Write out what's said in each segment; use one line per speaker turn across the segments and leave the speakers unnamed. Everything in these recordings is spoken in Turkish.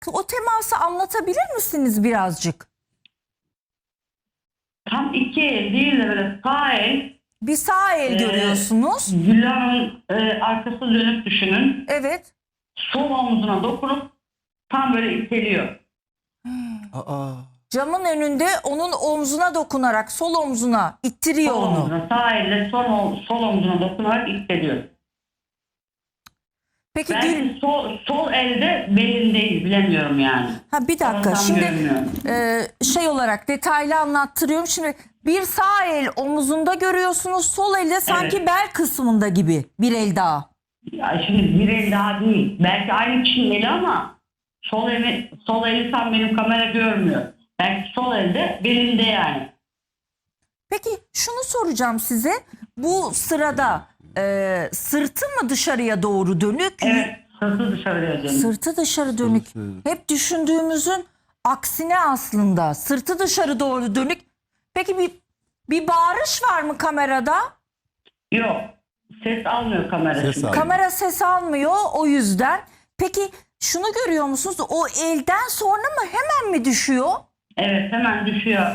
O teması anlatabilir misiniz birazcık?
Tam iki el değil de böyle sağ el.
Bir sağ el görüyorsunuz.
Güllü'nün arkası dönüp düşünün.
Evet.
Sol omzuna dokunup tam böyle iteliyor.
Aa.
Camın önünde onun omzuna dokunarak sol omzuna ittiriyor
Sol
onu.
omzuna, sağ elle sol omzuna dokunarak iteliyor.
Peki
Belki sol elde belindeyiz, bilemiyorum yani.
bir dakika
Tam
şimdi
görmüyorum.
şey olarak detaylı anlattırıyorum. Şimdi bir sağ el omuzunda görüyorsunuz, sol elde sanki
Evet.
bel kısmında gibi bir el daha.
Ya şimdi bir el daha değil. Belki aynı kişinin eli ama sol eli tam benim kamera görmüyor. Belki sol elde belinde yani.
Peki şunu soracağım size. Bu sırada sırtı mı dışarıya doğru dönük?
Evet, sırtı dışarıya dönüyor.
Sırtı dışarı dönük. Hep düşündüğümüzün aksine aslında. Sırtı dışarı doğru dönük. Peki bir bağırış var mı kamerada?
Yok, ses almıyor kamera.
Ses
şimdi.
almıyor.
Kamera ses almıyor o yüzden. Peki şunu görüyor musunuz? O elden sonra mı hemen mi düşüyor?
Evet, hemen düşüyor.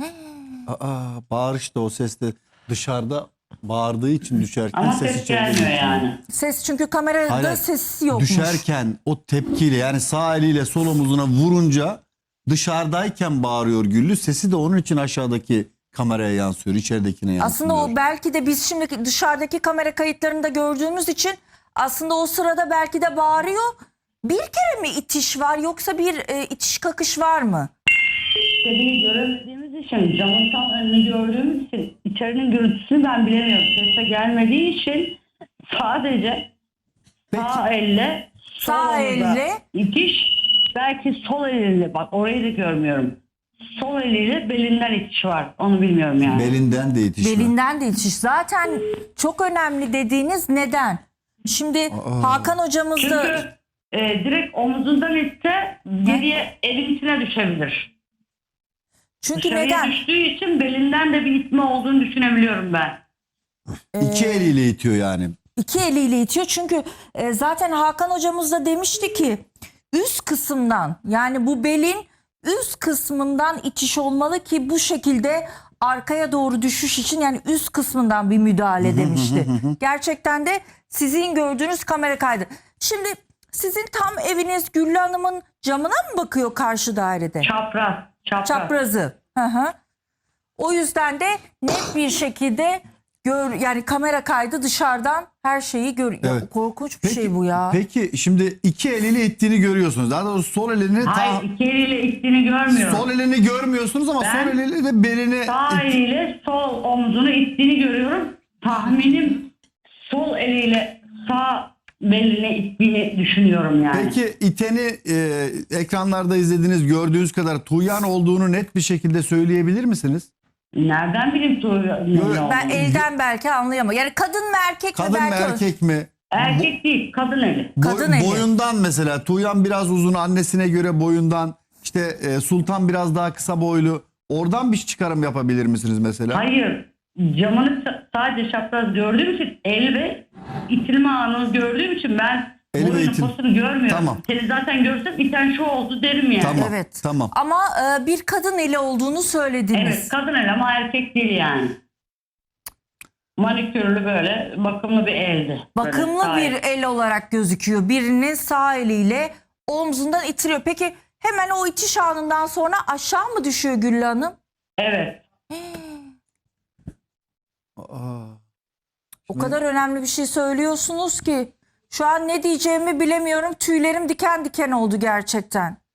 Bağırış da o ses de dışarıda bağırdığı için düşerken
Ama
ses
ses
içeride
gelmiyor
geçiyor.
yani.
Ses çünkü kamerada
Hayır,
sesi yokmuş.
düşerken o tepkiyle yani sağ eliyle sol omuzuna vurunca dışarıdayken bağırıyor Güllü. Sesi de onun için aşağıdaki kameraya yansıyor, içeridekine yansıyor.
Aslında o belki de biz şimdi dışarıdaki kamera kayıtlarında gördüğümüz için aslında o sırada belki de bağırıyor. Bir kere mi itiş var yoksa bir itiş kakış var mı?
İçeriği göremediğimiz için, camın tam önünü gördüğümüz için içerinin gürültüsünü ben bilemiyorum. Sese gelmediği için sadece sağ elle sol
Sağ
omuza
elle.
itiş, belki sol eliyle, bak orayı da görmüyorum. Sol eliyle belinden itiş var. Onu bilmiyorum yani.
Belinden de itiş var.
Belinden de itiş. Zaten çok önemli dediğiniz neden? Şimdi Hakan hocamız da...
Çünkü direkt omuzundan itse geriye elin içine düşebilir.
Çünkü
Dışarıya
neden?
düştüğü için belinden de bir itme olduğunu düşünebiliyorum ben.
İki eliyle itiyor yani.
İki eliyle itiyor. Çünkü zaten Hakan hocamız da demişti ki üst kısımdan, yani bu belin üst kısmından itiş olmalı ki bu şekilde arkaya doğru düşüş için, yani üst kısmından bir müdahale demişti. Gerçekten de sizin gördüğünüz kamera kaydı. Şimdi sizin tam eviniz Güllü Hanım'ın camına mı bakıyor karşı dairede?
Çapraz.
Çaprazı. Hı hı. O yüzden de net bir şekilde yani kamera kaydı dışarıdan her şeyi görüyor.
Evet.
Korkunç bir şey bu ya.
Peki şimdi iki eliyle ittiğini görüyorsunuz. Daha doğrusu sol elini
Hayır, iki eliyle ittiğini görmüyorum.
sol elini görmüyorsunuz ama
Ben
sol eliyle de belini
Sağ eliyle sol omzunu ittiğini görüyorum. Tahminim sol eliyle sağ beline ittiğini düşünüyorum yani.
Peki iteni ekranlarda izlediğiniz, gördüğünüz kadar Tuğyan olduğunu net bir şekilde söyleyebilir misiniz?
Nereden bileyim Tuğyan?
Ben elden belki anlayamam. Yani kadın mı erkek mi
Kadın mı
belki?
erkek mi?
Erkek değil, kadın eli.
Kadın eli.
Boyundan mesela Tuğyan biraz uzun, annesine göre boyundan, işte Sultan biraz daha kısa boylu. Oradan bir çıkarım yapabilir misiniz mesela?
Hayır, camını sadece çapraz gördüğüm için, el ve itilme anını gördüğüm için ben
El ve
boyunun
itil-
posunu görmüyorum.
Tamam.
Seni zaten görsem iten şu oldu derim yani.
Tamam.
Evet.
Tamam.
Ama bir kadın eli olduğunu söylediniz.
Evet, kadın el ama erkek değil yani. Manikürlü böyle bakımlı bir eldi.
Bakımlı
Böyle sağ
bir
el.
el olarak gözüküyor. Birinin sağ eliyle omzundan itiriyor. Peki hemen o itiş anından sonra aşağı mı düşüyor Güllü Hanım?
Evet.
Aa.
O kadar önemli bir şey söylüyorsunuz ki şu an ne diyeceğimi bilemiyorum. Tüylerim diken diken oldu gerçekten.